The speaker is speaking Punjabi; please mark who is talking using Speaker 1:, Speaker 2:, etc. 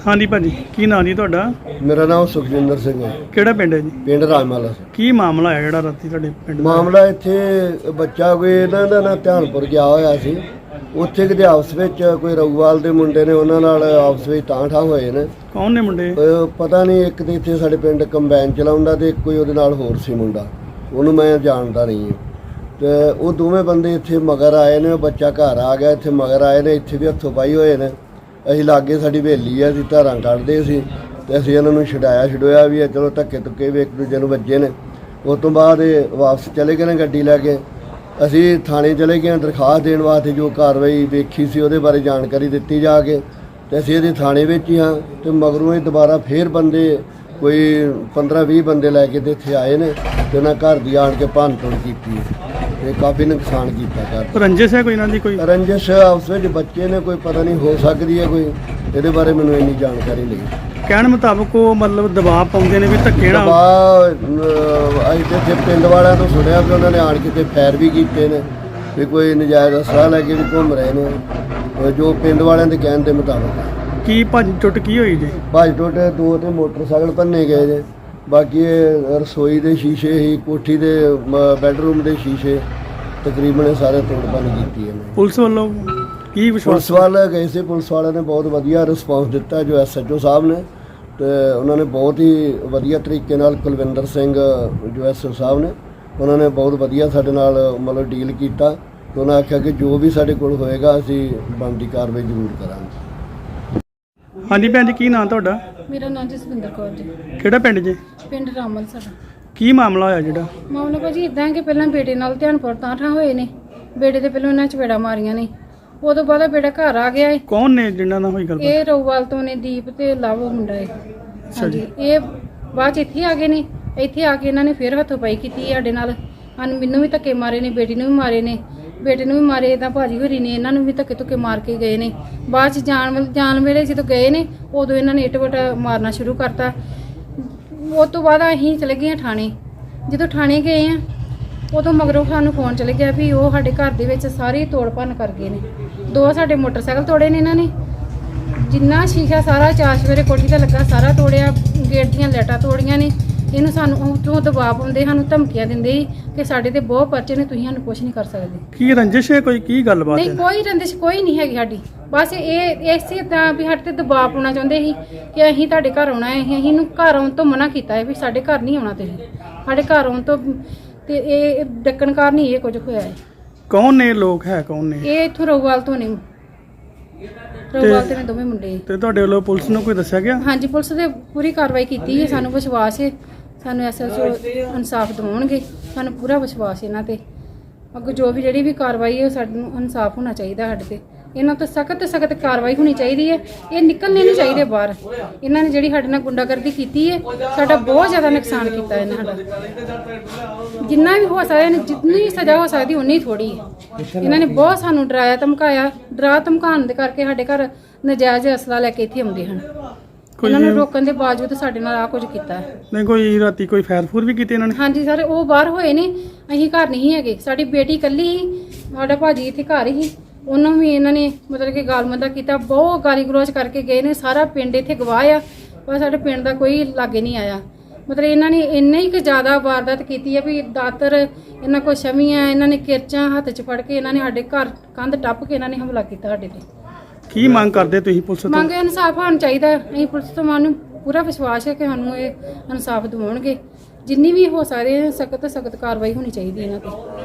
Speaker 1: हाँ जी भाजी की नाम जी ਤੁਹਾਡਾ?
Speaker 2: मेरा नाम सुखजिंदर सिंह है।
Speaker 1: ਕਿਹੜਾ ਪਿੰਡ ਹੈ ਜੀ?
Speaker 2: पिंड राजमाला से।
Speaker 1: ਕੀ ਮਾਮਲਾ ਹੈ ਜਿਹੜਾ ਰਾਤੀ ਤੁਹਾਡੇ ਪਿੰਡ ਦਾ?
Speaker 2: ਮਾਮਲਾ ਇੱਥੇ ਬੱਚਾ ਕੋਈ ਇਹਨਾਂ ਦਾ ਨਾ ਧਿਆਨਪੁਰ ਗਿਆ ਹੋਇਆ ਸੀ। ਉੱਥੇ ਕਿਤੇ ਆਪਸ ਵਿੱਚ ਕੋਈ ਰਘੂਵਾਲ ਦੇ ਮੁੰਡੇ ਨੇ ਉਹਨਾਂ ਨਾਲ ਆਪਸ ਵਿੱਚ ਤਾਂਠਾ ਹੋਏ ਨੇ।
Speaker 1: ਕੌਣ ਨੇ ਮੁੰਡੇ?
Speaker 2: ਪਤਾ ਨਹੀਂ, ਇੱਕ ਤੇ ਇੱਥੇ ਸਾਡੇ ਪਿੰਡ ਕੰਬਾਈਨ ਚਲਾਉਂਦਾ ਤੇ ਕੋਈ ਉਹਦੇ ਨਾਲ ਹੋਰ ਸੀ ਮੁੰਡਾ, ਉਹਨੂੰ ਮੈਂ ਜਾਣਦਾ ਨਹੀਂ ਹਾਂ। ਤੇ ਉਹ ਦੋਵੇਂ ਬੰਦੇ ਇੱਥੇ ਮਗਰ ਆਏ ਨੇ, ਬੱਚਾ ਘਰ ਆ ਗਿਆ, ਇੱਥੇ ਮਗਰ ਆਏ ਨੇ, ਇੱਥੇ ਵੀ ਹੱਥੋਂ ਪਾਈ ਹੋਏ ਨੇ। ਅਸੀਂ ਲਾਗੇ ਸਾਡੀ ਹਵੇਲੀ ਆ, ਅਸੀਂ ਧਾਰਾਂ ਕੱਢਦੇ ਸੀ ਤੇ ਅਸੀਂ ਇਹਨਾਂ ਨੂੰ ਛਡਾਇਆ ਵੀ ਆ, ਚਲੋ ਧੱਕੇ ਧੁੱਕੇ ਵੀ ਇੱਕ ਦੂਜੇ ਨੂੰ ਵੱਜੇ ਨੇ। ਉਸ ਤੋਂ ਬਾਅਦ ਇਹ ਵਾਪਸ ਚਲੇ ਗਏ ਨੇ ਗੱਡੀ ਲੈ ਕੇ। ਅਸੀਂ ਥਾਣੇ ਚਲੇ ਗਏ ਦਰਖਾਸਤ ਦੇਣ ਵਾਸਤੇ, ਜੋ ਕਾਰਵਾਈ ਵੇਖੀ ਸੀ ਉਹਦੇ ਬਾਰੇ ਜਾਣਕਾਰੀ ਦਿੱਤੀ ਜਾ ਕੇ, ਤੇ ਅਸੀਂ ਇਹਦੇ ਥਾਣੇ ਵਿੱਚ ਹੀ ਹਾਂ। ਤੇ ਮਗਰੋਂ ਇਹ ਦੁਬਾਰਾ ਫੇਰ ਬੰਦੇ ਕੋਈ 15-20 ਬੰਦੇ ਲੈ ਕੇ ਤੇ ਇੱਥੇ ਆਏ ਨੇ ਤੇ ਉਹਨਾਂ ਘਰ ਦੀ ਆਣ ਕੇ ਭੰਨ ਤੋੜ ਕੀਤੀ ਤੇ ਕਾਫੀ ਨੁਕਸਾਨ ਕੀਤਾ ਘਰ।
Speaker 1: ਰੰਜਿਸ਼ ਹੈ ਕੋਈ ਇਹਨਾਂ ਦੀ? ਕੋਈ
Speaker 2: ਰੰਜਿਸ਼ ਆਪਸ ਵਿੱਚ ਬੱਚੇ ਨੇ, ਕੋਈ ਪਤਾ ਨਹੀਂ, ਹੋ ਸਕਦੀ ਹੈ ਕੋਈ, ਇਹਦੇ ਬਾਰੇ ਮੈਨੂੰ ਇੰਨੀ ਜਾਣਕਾਰੀ ਨਹੀਂ।
Speaker 1: ਕਹਿਣ ਮੁਤਾਬਕ ਉਹ ਮਤਲਬ ਦਬਾਅ ਪਾਉਂਦੇ ਨੇ ਵੀ ਧੱਕੇ ਨਾਲ।
Speaker 2: ਅਸੀਂ ਤੇ ਇੱਥੇ ਪਿੰਡ ਵਾਲਿਆਂ ਤੋਂ ਸੁਣਿਆ ਵੀ ਉਹਨਾਂ ਨੇ ਆਣ ਕੇ ਤੇ ਫੈਰ ਵੀ ਕੀਤੇ ਨੇ, ਵੀ ਕੋਈ ਨਜਾਇਜ਼ ਅਸਲਾ ਲੈ ਕੇ ਵੀ ਘੁੰਮ ਰਹੇ ਨੇ, ਜੋ ਪਿੰਡ ਵਾਲਿਆਂ ਦੇ ਕਹਿਣ ਦੇ ਮੁਤਾਬਕ।
Speaker 1: ਕੀ ਭੱਜ ਟੁੱਟ ਕੀ ਹੋਈ ਜੀ?
Speaker 2: ਭੱਜ ਟੁੱਟ ਦੋ ਤੇ ਮੋਟਰਸਾਈਕਲ ਭੰਨੇ ਗਏ ਜੇ। ਬਾਕੀ ਇਹ ਰਸੋਈ ਦੇ ਸ਼ੀਸ਼ੇ ਹੀ, ਕੋਠੀ ਦੇ ਬੈੱਡਰੂਮ ਦੇ ਸ਼ੀਸ਼ੇ ਤਕਰੀਬਨ ਸਾਰੇ ਤੋੜ ਭੰਨ ਕੀਤੀ ਹੈ।
Speaker 1: ਪੁਲਿਸ ਵੱਲੋਂ ਕੀ ਵਿਸ਼ਵਾਸ?
Speaker 2: ਪੁਲਿਸ ਵਾਲੇ ਗਏ ਸੀ, ਪੁਲਿਸ ਵਾਲਿਆਂ ਨੇ ਬਹੁਤ ਵਧੀਆ ਰਿਸਪੌਂਸ ਦਿੱਤਾ, ਜੋ SHO ਸਾਹਿਬ ਨੇ, ਤੇ ਉਹਨਾਂ ਨੇ ਬਹੁਤ ਹੀ ਵਧੀਆ ਤਰੀਕੇ ਨਾਲ, ਕੁਲਵਿੰਦਰ ਸਿੰਘ ਜੋ SHO ਸਾਹਿਬ ਨੇ, ਉਹਨਾਂ ਨੇ ਬਹੁਤ ਵਧੀਆ ਸਾਡੇ ਨਾਲ ਮਤਲਬ ਡੀਲ ਕੀਤਾ। ਤੇ ਉਹਨਾਂ ਆਖਿਆ ਕਿ ਜੋ ਵੀ ਸਾਡੇ ਕੋਲ ਹੋਏਗਾ ਅਸੀਂ ਬਣਦੀ ਕਾਰਵਾਈ ਜ਼ਰੂਰ ਕਰਾਂਗੇ।
Speaker 1: ਹਾਂਜੀ ਭੈਣ ਜੀ, ਕੀ ਨਾਂ ਤੁਹਾਡਾ?
Speaker 3: ਮੇਰਾ ਨਾਮ ਜਸਵਿੰਦਰ ਕੌਰ ਜੀ।
Speaker 1: ਕਿਹੜਾ ਪਿੰਡ ਜੀ?
Speaker 3: ਪਿੰਡ ਰਾਮਲ ਸਾਡਾ।
Speaker 1: ਕੀ ਮਾਮਲਾ ਹੋਇਆ ਜਿਹੜਾ?
Speaker 3: ਮਾਮਲਾ ਭਾਜੀ ਇਦਾਂ ਕਿ ਪਹਿਲਾਂ ਬੇਟੇ ਨਾਲ ਧਿਆਨਪੁਰ ਤਾਂਠਾ ਹੋਏ ਨੇ। ਬੇਟੇ ਦੇ ਪਹਿਲਾਂ ਇਹਨਾਂ ਚਪੇੜਾਂ ਮਾਰੀਆਂ ਨੇ, ਉਦੋਂ ਬਾਅਦ ਬੇਟਾ ਘਰ ਆ ਗਿਆ ਏ।
Speaker 1: ਕੌਣ ਨੇ ਜਿਨ੍ਹਾਂ ਨਾਲ ਹੋਈ ਗੱਲ?
Speaker 3: ਇਹ ਰਊਵਾਲ ਤੋਂ ਨੇ, ਦੀਪ ਤੇ ਲਵ ਮੁੰਡਾ ਏ। ਹਾਂਜੀ, ਇਹ ਬਾਅਦ 'ਚ ਇੱਥੇ ਆ ਗਏ ਨੇ। ਇੱਥੇ ਆ ਕੇ ਇਹਨਾਂ ਨੇ ਫਿਰ ਹੱਥੋਂ ਪਾਈ ਕੀਤੀ ਸਾਡੇ ਨਾਲ। ਮੈਨੂੰ ਵੀ ਧੱਕੇ ਮਾਰੇ ਨੇ, ਬੇਟੀ ਨੂੰ ਵੀ ਮਾਰੇ ਨੇ, ਬੇਟੇ ਨੂੰ ਵੀ ਮਾਰੇ। ਤਾਂ ਭਾਜੀ ਹੋਰੀ ਨੇ ਇਹਨਾਂ ਨੂੰ ਵੀ ਧੱਕੇ ਧੁੱਕੇ ਮਾਰ ਕੇ ਗਏ ਨੇ। ਬਾਅਦ 'ਚ ਜਾਣ ਵੇਲੇ ਜਦੋਂ ਗਏ ਨੇ, ਉਦੋਂ ਇਹਨਾਂ ਨੇ ਇੱਟ ਵੱਟ ਮਾਰਨਾ ਸ਼ੁਰੂ ਕਰਤਾ। ਉਸ ਤੋਂ ਬਾਅਦ ਅਸੀਂ ਚਲੇ ਗਏ ਥਾਣੇ। ਜਦੋਂ ਥਾਣੇ ਗਏ ਆ, ਉਦੋਂ ਮਗਰੋਂ ਸਾਨੂੰ ਫੋਨ ਚਲੇ ਗਿਆ ਵੀ ਉਹ ਸਾਡੇ ਘਰ ਦੇ ਵਿੱਚ ਸਾਰੀ ਤੋੜ ਭੰਨ ਕਰ ਗਏ ਨੇ। 2 ਸਾਡੇ ਮੋਟਰਸਾਈਕਲ ਤੋੜੇ ਨੇ ਇਹਨਾਂ ਨੇ, ਜਿੰਨਾ ਸ਼ੀਸ਼ਾ ਸਾਰਾ ਚਾਰ ਸਵੇਰੇ ਕੋਠੀ ਤੇ ਲੱਗਾ ਸਾਰਾ ਤੋੜਿਆ, ਗੇਟ ਦੀਆਂ ਲਾਈਟਾਂ ਤੋੜੀਆਂ ਨੇ। ਇਹਨੂੰ ਸਾਨੂੰ ਉੱਥੋਂ ਦਬਾਅ ਪਾਉਂਦੇ, ਸਾਨੂੰ ਧਮਕੀਆਂ ਦਿੰਦੇ ਕਿ ਸਾਡੇ ਤੇ ਬਹੁਤ ਪਰਚੇ ਨੇ, ਤੁਸੀਂ ਸਾਨੂੰ ਕੁਝ ਨਹੀਂ ਕਰ ਸਕਦੇ।
Speaker 1: ਕੀ ਰੰਜਿਸ਼ ਹੈ ਕੋਈ? ਕੀ ਗੱਲਬਾਤ ਹੈ?
Speaker 3: ਨਹੀਂ, ਕੋਈ ਰੰਜਿਸ਼ ਕੋਈ ਨਹੀਂ ਹੈਗੀ ਸਾਡੀ। ਬਸ ਇਹ ਇਸੇ ਤਰ੍ਹਾਂ ਵੀ ਸਾਡੇ ਤੇ ਦਬਾਅ ਪਾਉਣਾ ਚਾਹੁੰਦੇ ਸੀ ਕਿ ਅਸੀਂ ਤੁਹਾਡੇ ਘਰ ਆਉਣਾ ਹੈ। ਅਸੀਂ ਇਹਨੂੰ ਘਰ ਆਉਣ ਤੋਂ ਮਨਾ ਕੀਤਾ ਹੈ ਵੀ ਸਾਡੇ ਘਰ ਨਹੀਂ ਆਉਣਾ ਤੁਸੀਂ, ਸਾਡੇ ਘਰ ਆਉਣ ਤੋਂ। ਤੇ ਇਹ ਡੱਕਣ ਕਾਰਨ ਹੀ ਇਹ ਕੁਝ ਹੋਇਆ ਹੈ।
Speaker 1: ਕੌਣ ਨੇ ਲੋਕ? ਹੈ ਕੌਣ ਨੇ
Speaker 3: ਇਹ ਇੱਥੋਂ ਰਊਵਾਲ ਤੋਂ ਨੇ, ਰਊਵਾਲ ਤੇ ਨੇ ਦੋਵੇਂ ਮੁੰਡੇ।
Speaker 1: ਤੇ ਤੁਹਾਡੇ ਵੱਲੋਂ ਪੁਲਿਸ ਨੂੰ ਕੋਈ ਦੱਸਿਆ ਗਿਆ?
Speaker 3: ਹਾਂਜੀ, ਪੁਲਿਸ ਨੇ ਪੂਰੀ ਕਾਰਵਾਈ ਕੀਤੀ ਹੈ। ਸਾਨੂੰ ਵਿਸ਼ਵਾਸ ਹੈ, ਸਾਨੂੰ SHO ਇਨਸਾਫ ਦਿਵਾਉਣਗੇ। ਸਾਨੂੰ ਪੂਰਾ ਵਿਸ਼ਵਾਸ ਇਹਨਾਂ ਤੇ। ਅੱਗੇ ਜੋ ਵੀ ਜਿਹੜੀ ਵੀ ਕਾਰਵਾਈ ਹੈ, ਸਾਨੂੰ ਇਨਸਾਫ ਹੋਣਾ ਚਾਹੀਦਾ ਸਾਡੇ ਤੇ। ਇਹਨਾਂ ਤੋਂ ਸਖਤ ਕਾਰਵਾਈ ਹੋਣੀ ਚਾਹੀਦੀ ਹੈ। ਇਹ ਨਿਕਲਣੇ ਨਹੀਂ ਚਾਹੀਦੇ ਬਾਹਰ। ਇਹਨਾਂ ਨੇ ਜਿਹੜੀ ਸਾਡੇ ਨਾਲ ਗੁੰਡਾਗਰਦੀ ਕੀਤੀ ਹੈ, ਸਾਡਾ ਬਹੁਤ ਜ਼ਿਆਦਾ ਨੁਕਸਾਨ ਕੀਤਾ ਇਹਨਾਂ ਸਾਡਾ। ਜਿੰਨਾ ਵੀ ਹੋ ਸਕਦਾ, ਜਿੰਨੀ ਸਜ਼ਾ ਹੋ ਸਕਦੀ ਉਨੀ ਥੋੜੀ ਹੈ। ਇਹਨਾਂ ਨੇ ਬਹੁਤ ਸਾਨੂੰ ਡਰਾਇਆ ਧਮਕਾਇਆ। ਡਰਾ ਧਮਕਾਉਣ ਦੇ ਕਰਕੇ ਸਾਡੇ ਘਰ ਨਜਾਇਜ਼ ਅਸਲਾ ਲੈ ਕੇ ਇੱਥੇ ਆਉਂਦੇ ਹਨ। ਇਹਨਾਂ ਨੂੰ ਰੋਕਣ ਦੇ ਬਾਵਜੂਦ ਸਾਡੇ ਨਾਲ ਆ ਕੁਝ ਕੀਤਾ ਹੈ।
Speaker 1: ਨਹੀਂ, ਕੋਈ ਰਾਤੀ ਕੋਈ ਫੈਰ ਫੂਰ ਵੀ ਕੀਤੇ ਇਹਨਾਂ ਨੇ?
Speaker 3: ਹਾਂਜੀ ਸਰ, ਉਹ ਬਾਹਰ ਹੋਏ ਨੇ, ਅਸੀਂ ਘਰ ਨਹੀਂ ਹੈਗੇ। ਸਾਡੀ ਬੇਟੀ ਇਕੱਲੀ ਸੀ, ਸਾਡਾ ਭਾਜੀ ਇੱਥੇ ਘਰ ਹੀ, ਉਹਨੂੰ ਵੀ ਇਹਨਾਂ ਨੇ ਮਤਲਬ ਕਿ ਗਾਲਮੰਦਾ ਕੀਤਾ, ਬਹੁਤ ਗਾਲੀ ਗਲੋਚ ਕਰਕੇ ਗਏ ਨੇ। ਸਾਰਾ ਪਿੰਡ ਇੱਥੇ ਗਵਾਹ ਆ, ਪਰ ਸਾਡੇ ਪਿੰਡ ਦਾ ਕੋਈ ਲਾਗੇ ਨਹੀਂ ਆਇਆ। ਮਤਲਬ ਇਹਨਾਂ ਨੇ ਇੰਨਾ ਹੀ ਕਿ ਜ਼ਿਆਦਾ ਵਾਰਦਾਤ ਕੀਤੀ ਹੈ ਵੀ ਦਾਤਰ ਇਹਨਾਂ ਕੋਲ ਛਵੀਆਂ, ਇਹਨਾਂ ਨੇ ਕਿਰਚਾਂ ਹੱਥ 'ਚ ਫੜ ਕੇ ਇਹਨਾਂ ਨੇ ਸਾਡੇ ਘਰ ਕੰਧ ਟੱਪ ਕੇ ਇਹਨਾਂ ਨੇ ਹਮਲਾ ਕੀਤਾ ਸਾਡੇ ਤੇ।
Speaker 1: ਕੀ ਮੰਗ ਕਰਦੇ ਤੁਸੀਂ ਪੁਲਿਸ ਤੋਂ?
Speaker 3: ਮੰਗ ਇਨਸਾਫ ਹੋਣਾ ਚਾਹੀਦਾ। ਅਸੀਂ ਪੁਲਿਸ ਤੋਂ ਸਾਨੂੰ ਪੂਰਾ ਵਿਸ਼ਵਾਸ ਹੈ ਕਿ ਸਾਨੂੰ ਇਹ ਇਨਸਾਫ ਦਿਵਾਉਣਗੇ। ਜਿੰਨੀ ਵੀ ਹੋ ਸਕਦੇ ਸਖਤ ਕਾਰਵਾਈ ਹੋਣੀ ਚਾਹੀਦੀ ਇਹਨਾਂ ਤੇ।